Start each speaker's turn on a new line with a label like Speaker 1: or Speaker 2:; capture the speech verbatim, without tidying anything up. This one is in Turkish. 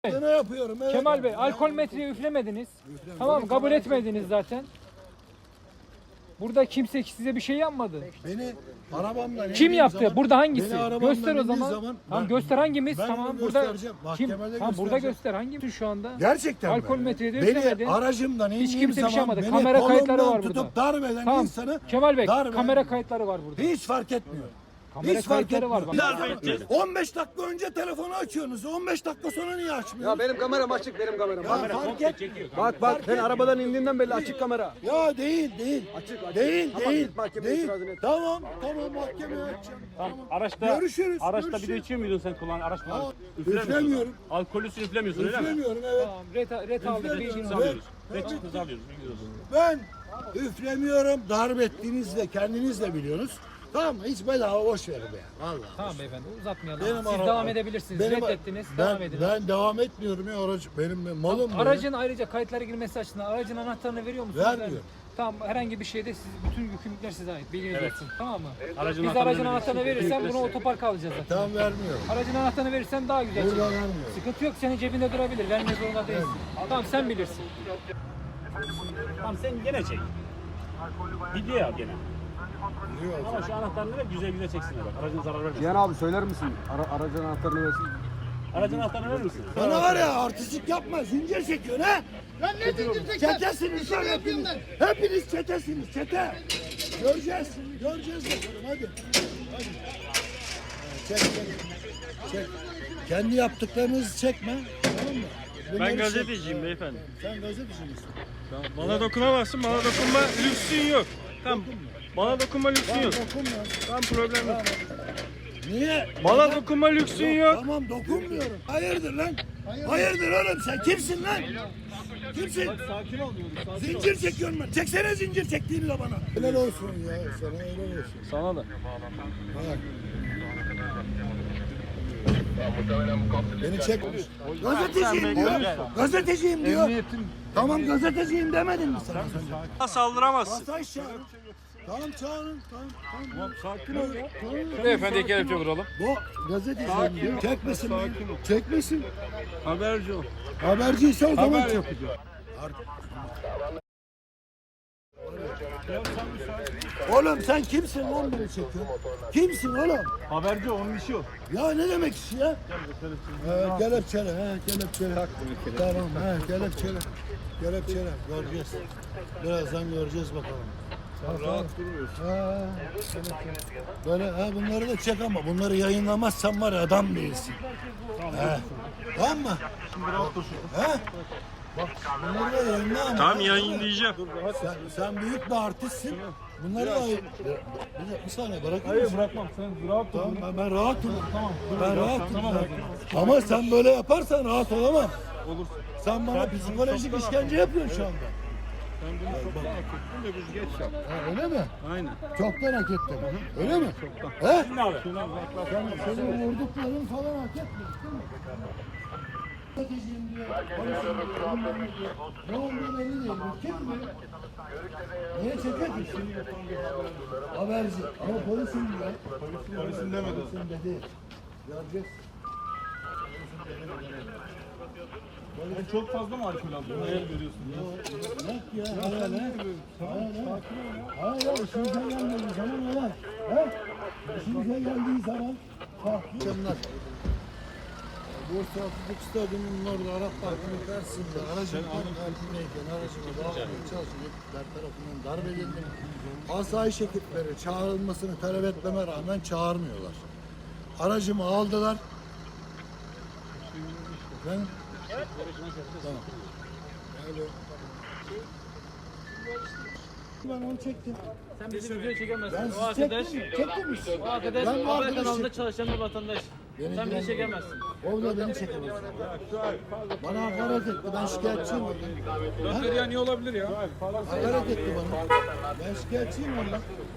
Speaker 1: Ne yapıyorum? Evet.
Speaker 2: Kemal Bey, alkol metreyi üflemediniz. Tamam, kabul etmediniz zaten. Burada kimse size bir şey yapmadı.
Speaker 1: Beni arabamdan
Speaker 2: Kim
Speaker 1: indiğim
Speaker 2: yaptı?
Speaker 1: zaman-
Speaker 2: Burada hangisi?
Speaker 1: Beni arabamdan
Speaker 2: Göster o
Speaker 1: indiği
Speaker 2: zaman.
Speaker 1: zaman
Speaker 2: Tamam,
Speaker 1: ben-
Speaker 2: göster hangimiz?
Speaker 1: ben
Speaker 2: Tamam,
Speaker 1: onu
Speaker 2: burada
Speaker 1: göstereceğim,
Speaker 2: kim?
Speaker 1: mahkemede
Speaker 2: Tamam, burada
Speaker 1: göstereceğim.
Speaker 2: göster. Hangimiz şu anda?
Speaker 1: Gerçekten
Speaker 2: Alkol
Speaker 1: mi?
Speaker 2: metreyi de
Speaker 1: Beni
Speaker 2: üflemedin.
Speaker 1: aracımdan indiğim
Speaker 2: kimse bir şey
Speaker 1: zaman
Speaker 2: yapmadı.
Speaker 1: beni
Speaker 2: Kamera kayıtları
Speaker 1: kolumdan
Speaker 2: var burada.
Speaker 1: tutup darp eden
Speaker 2: Tamam,
Speaker 1: insanı
Speaker 2: Kemal Bey,
Speaker 1: darp eden-
Speaker 2: kamera kayıtları var burada.
Speaker 1: hiç fark etmiyor.
Speaker 2: Kamera
Speaker 1: hiç fark
Speaker 2: kayıtları var
Speaker 1: etmiyor.
Speaker 2: bak.
Speaker 1: on beş dakika önce telefonu açıyorsunuz. on beş dakika sonra niye
Speaker 3: Ya
Speaker 1: açmıyorsunuz?
Speaker 3: benim kameram açık, benim kameram.
Speaker 1: Ya,
Speaker 3: Kamera.
Speaker 1: fark etmiyor.
Speaker 3: Bak bak, ben arabadan indiğimden belli açık kamera.
Speaker 1: Ya değil değil.
Speaker 3: Açık, açık.
Speaker 1: Değil
Speaker 3: Tamam,
Speaker 1: değil.
Speaker 3: git mahkemeye
Speaker 1: değil.
Speaker 3: itirazını et.
Speaker 1: Tamam tamam mahkemeye açacağım.
Speaker 4: Tamam, araçta,
Speaker 1: Görüşürüz,
Speaker 4: araçta bir de
Speaker 1: görüşürüz.
Speaker 4: içiyor muydun sen kullan araç mı?
Speaker 1: Aa,
Speaker 4: Üflemiyorsun.
Speaker 1: üflemiyorum.
Speaker 4: Alkolüsü üflemiyorsun öyle mi?
Speaker 1: Üflemiyorum evet.
Speaker 2: Tamam, ret, ret aldık,
Speaker 1: Üflemiyorum.
Speaker 2: bilginizi
Speaker 1: Evet.
Speaker 2: alıyoruz.
Speaker 4: Ne çıktınız alıyoruz. bilgiyoruz.
Speaker 1: Ben üflemiyorum. Darp ettiğiniz de kendiniz de biliyorsunuz. Tamam mı? Hiç bedava boş verin be. Vallahi.
Speaker 2: Tamam beyefendi, uzatmayalım.
Speaker 1: Benim
Speaker 2: Siz
Speaker 1: ara-
Speaker 2: devam edebilirsiniz.
Speaker 1: benim-
Speaker 2: Reddettiniz,
Speaker 1: ben,
Speaker 2: devam edin.
Speaker 1: Ben devam etmiyorum ya aracı. Benim malım bu.
Speaker 2: Aracın ayrıca kayıtlara girmesi açısından aracın anahtarını veriyor musunuz?
Speaker 1: Vermiyor.
Speaker 2: Tamam, herhangi bir şeyde siz, bütün yükümlülükler size ait. Bilginiz
Speaker 4: Evet.
Speaker 2: olsun. Tamam mı?
Speaker 4: Aracın
Speaker 2: Biz
Speaker 4: anahtarını
Speaker 2: aracın
Speaker 4: veriyoruz.
Speaker 2: anahtarını verirsen bunu otoparka alacağız zaten.
Speaker 1: Tamam vermiyorum.
Speaker 2: Aracın anahtarını verirsen daha güzel.
Speaker 1: Burada
Speaker 2: çıkar.
Speaker 1: vermiyorum.
Speaker 2: Sıkıntı yok, senin cebinde durabilir. Vermek zorunda değilsin. Tamam, sen bilirsin.
Speaker 4: Tamam sen gene çek. Video al gene.
Speaker 1: Yok.
Speaker 4: Ama şu anahtarını ver güzel güzel çeksinler bak. Aracın zarar vermesin.
Speaker 3: Cihan abi söyler misin? Ara, aracın anahtarını versin.
Speaker 4: Aracın anahtarını verir misin?
Speaker 1: Bana var ya artistik yapma. Zincir çekiyorsun ha.
Speaker 5: Lan ne zincir çeker?
Speaker 1: Çetesiniz lan hepiniz. Hepiniz çetesiniz. Çete. Göreceğiz. Göreceğiz bakalım hadi. Hadi. Çek çek. Çek. Kendi yaptıklarınızı çekme. Tamam mı? Bunları
Speaker 6: Ben
Speaker 1: çek.
Speaker 6: gazeteciyim beyefendi.
Speaker 1: Sen gazeteci misin?
Speaker 6: Bana dokunamazsın, bana dokunma lüksün yok. Tamam. Bana dokunma lüksün
Speaker 1: Tamam
Speaker 6: yok.
Speaker 1: dokunma.
Speaker 6: Tamam, problem yok.
Speaker 1: Niye?
Speaker 6: Bana
Speaker 1: Neden?
Speaker 6: dokunma lüksün yok.
Speaker 1: Tamam dokunmuyorum. Hayırdır lan? Hayırdır oğlum sen kimsin lan? Kimsin?
Speaker 6: Sakin ol diyorum.
Speaker 1: Zincir çekiyorum ben. Çeksene zincir çektiğini de bana. Helal olsun ya. Sana helal olsun.
Speaker 6: Sana da.
Speaker 1: Bak. Beni çek. Gazeteciyim diyor. Gazeteciyim diyor. Tamam gazeteciyim demedin mi sana? sen?
Speaker 6: Saldıramazsın.
Speaker 1: Masaj çağırın. Tamam çağırın. Tamam. Tamam.
Speaker 6: Sakin ol ya.
Speaker 1: Tamam.
Speaker 6: Beyefendi kelepçe vuralım.
Speaker 1: Bu gazeteciyim diyor. Çekmesin beni. Çekmesin.
Speaker 6: Haberci ol.
Speaker 1: Haberciyse o zaman
Speaker 6: Haber
Speaker 1: çek.
Speaker 6: yapacağım.
Speaker 1: Oğlum sen kimsin lan beni çekiyorsun? Kimsin oğlum?
Speaker 6: Haberci onun işi o.
Speaker 1: Ya ne demek iş ya? He, kelepçele, he, kelepçele. Tamam, he, kelepçele. Kelepçele, göreceğiz. Birazdan göreceğiz bakalım.
Speaker 6: Rahat durmuyorsun.
Speaker 1: Ha, böyle, ha, bunları da çek ama bunları yayınlamazsan var ya adam değilsin. He. Tamam mı?
Speaker 6: Şimdi rahat dur şurada.
Speaker 1: He? Bak bunları da yayınla ama.
Speaker 6: Tamam, yayınlayacağım.
Speaker 1: Sen, sen büyük bir artistsin. Bunları da yayın... Bir, bir, bir saniye bırakır
Speaker 6: Hayır
Speaker 1: mısın?
Speaker 6: bırakmam. Sen rahat dur.
Speaker 1: Tamam, ben, ben rahatım.
Speaker 6: Tamam.
Speaker 1: Ben rahatım.
Speaker 6: Tamam.
Speaker 1: Ama sen böyle yaparsan rahat olamam.
Speaker 6: Olursun.
Speaker 1: Sen bana psikolojik işkence yapıyorsun şu anda.
Speaker 6: Sen bunu çoktan hak ettin de biz geç yap.
Speaker 1: Ha, öyle mi?
Speaker 6: Aynen.
Speaker 1: Çoktan hak ettin. Öyle mi? He?
Speaker 4: Şimdi abi.
Speaker 1: Sen, senin vurdukların falan hak etmiyor değil mi? Stratejiyim diyor, polisim diyor, bilmem ne diyor. Ne olduğu belli değil. Bu kim bu? Niye çekiyor ki? Haberci. Ama polisim diyor.
Speaker 6: Polisin demedi.
Speaker 1: Polisim dedi. Göreceğiz.
Speaker 6: Ben çok fazla mı alkol aldım? Hayal görüyorsun.
Speaker 1: Yok ya. Hayal he. Hayal he. Hayal işimize geldiği zaman hayal. He? İşimize geldiği zaman farklı. Akşamlar. Bursa Atatürk Stadyumu'nun orada Arap Parkı'nın karşısında aracın altındayken aracıma bağlamaya çalışan ekipler tarafından darp edildim. Asayiş ekipleri çağrılmasını talep etmeme rağmen çağırmıyorlar. Aracımı aldılar. Ben tamam. Alo. Ben onu çektim.
Speaker 7: Sen bizi video çekemezsin.
Speaker 1: Ben
Speaker 7: O
Speaker 1: sizi
Speaker 7: arkadaş,
Speaker 1: çektim mi? Çektim mi?
Speaker 7: o arkadaş
Speaker 1: Ben bu
Speaker 7: haber
Speaker 1: arkadaşı-
Speaker 7: kanalında çalışan bir vatandaş.
Speaker 1: Beni
Speaker 7: Sen bizi
Speaker 1: ilgilendirmez.
Speaker 7: çekemezsin.
Speaker 1: O da beni çekemez. Bana hakaret etti. Ben şikayetçiyim ondan.
Speaker 6: Dört ya niye olabilir ya?
Speaker 1: Hakaret etti bana. Ben şikayetçiyim ondan.